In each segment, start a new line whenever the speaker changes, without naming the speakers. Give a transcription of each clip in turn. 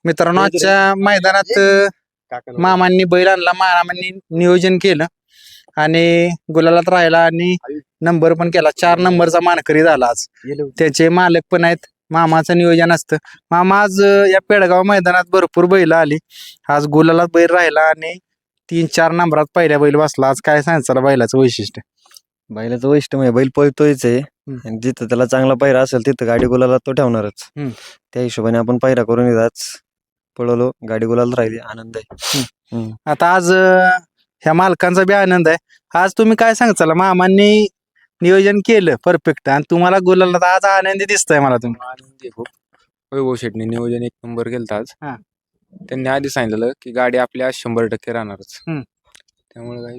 मित्रांनो आजच्या मैदानात मामांनी बैल आणला, मामांनी नियोजन केलं आणि गुलालात राहिला आणि नंबर पण केला. 4 नंबरचा मानकरी झाला आज. त्याचे मालक पण आहेत. मामाचं नियोजन असतं. मामा आज या पेडगाव मैदानात भरपूर बैल आली. आज गुलालात बैल राहिला आणि 3-4 नंबरात पहिल्या बैल बसला. आज काय सांगायचं बैलाचं वैशिष्ट्य?
बैलाचं वैशिष्ट्य म्हणजे बैल पळतोयच आहे आणि जिथं त्याला चांगला पायरा असेल तिथं गाडी गुलाला तो ठेवणारच. त्या हिशोबाने आपण पायरा करून येतात, पळवलो, गाडी गुलाला राहिली, आनंद आहे.
आता आज ह्या मालकांचा बी आनंद आहे. आज तुम्ही काय सांगचाल, मामांनी नियोजन केलं परफेक्ट आणि तुम्हाला गुलाला आज आनंदी दिसतंय मला. तुम्ही
आनंदी खूप. वैभव शेटने नियोजन 1 नंबर केलं आज.
हा.
त्यांनी आधी सांगितलं की गाडी आपल्या 100% राहणारच. त्यामुळे काही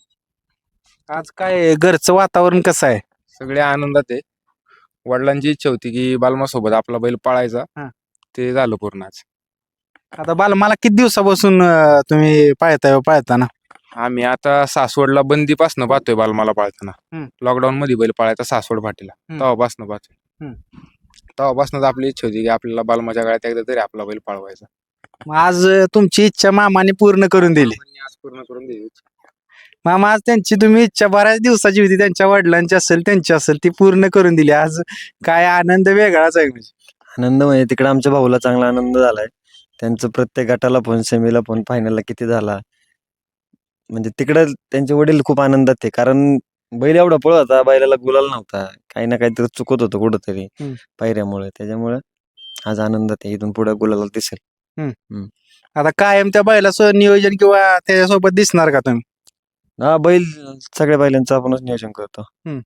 आज काय घरचं वातावरण कसं आहे?
सगळे आनंदात आहे. वडिलांची इच्छा होती की बालमा सोबत आपला बैल पळायचा. ते झालं पूर्ण आज.
आता मला किती दिवसापासून तुम्ही पाळताना?
आम्ही आता सासवडला बंदीपासनं पाहतोय बालमाला पाळताना. लॉकडाऊन मध्ये बैल पळायचा सासवड फाटीला, तेव्हापासनं पाहतोय. तेव्हापासूनच आपली इच्छा होती की आपल्याला बालमाच्या गाड्यात एकदा तरी आपला बैल पळवायचा.
आज तुमची इच्छा मामाने पूर्ण करून दिली.
आज पूर्ण करून दिली.
मामा आज त्यांची तुम्ही इच्छा बऱ्याच दिवसाची होती, त्यांच्या वडिलांची असेल त्यांची असेल, ती पूर्ण करून दिली. आज काय आनंद वेगळाच आहे. म्हणजे
आनंद म्हणजे तिकडे आमच्या भाऊला चांगला आनंद झालाय. त्यांचं प्रत्येक गटाला फोन, सेमीला फोन, फायनलला किती झाला. म्हणजे तिकडे त्यांचे वडील खूप आनंदात आहे, कारण बैल एवढा पळवता, बैलाला गुलाल नव्हता, काही ना काहीतरी चुकत होतं कुठंतरी पायऱ्यामुळे. त्याच्यामुळे आज आनंदात आहे. इथून पुढे गुलाला दिसेल.
आता कायम त्या बैलाचं नियोजन किंवा त्याच्यासोबत दिसणार का तुम्ही?
हा, बैल सगळ्या बैलांचं आपणच नियोजन करतो.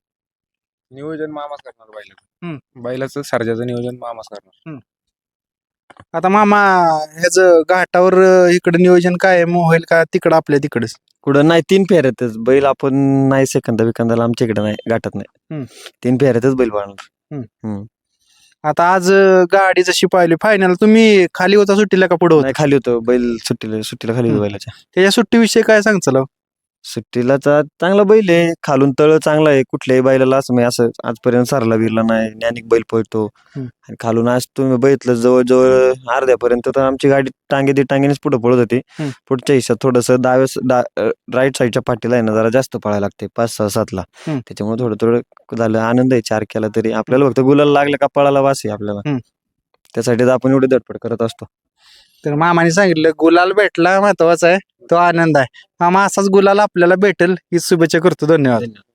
नियोजन मामाच करणार बैलाचं. बैलाचं सर्जाचं नियोजन मामाच करणार.
आता मामा ह्याच घाटावर इकडे नियोजन कायम होईल का तिकडं आपल्या तिकडच?
कुठं नाही, 3 फेऱ्यातच बैल. आपण नाही सेकंदा विकंदाला आमच्या इकडे नाही, गाठात नाही. 3 फेऱ्यातच बैल पाळणार.
आता आज गाडी जशी पाहिली फायनल, तुम्ही खाली होता सुट्टीला का पुढे होता?
नाही, खाली होतो बैल. सुट्टीला खाली होतो बैलाच्या.
त्याच्या सुट्टीविषयी काय सांगचाल?
सुट्टीला चांगला बैल आहे, खालून तळ चांगला आहे. कुठल्याही बैलाला असं म्हणजे असं आजपर्यंत सारला बिरला नाही. ज्ञानिक बैल पळतो आणि खालून आज तुम्ही बघितलं जवळजवळ अर्ध्यापर्यंत तर आमची गाडी टांगेनेच पुढे पळत होती. पुढच्या हिशोब थोडस राईट साईडच्या पाठीला आहे ना जरा जास्त पळायला लागते, 5-6-7ला. त्याच्यामुळे थोडं झालं. आनंद आहे 4 केला तरी. आपल्याला फक्त गुलाल लागलं का पळायला वास आहे आपल्याला. त्यासाठी आपण एवढी धडपड करत असतो.
तर मामाने सांगितलं गुलाल भेटला महत्वाचा आहे, तो आनंद आहे. मामा असाच गुलाल आपल्याला भेटेल ही शुभेच्छा करतो. धन्यवाद.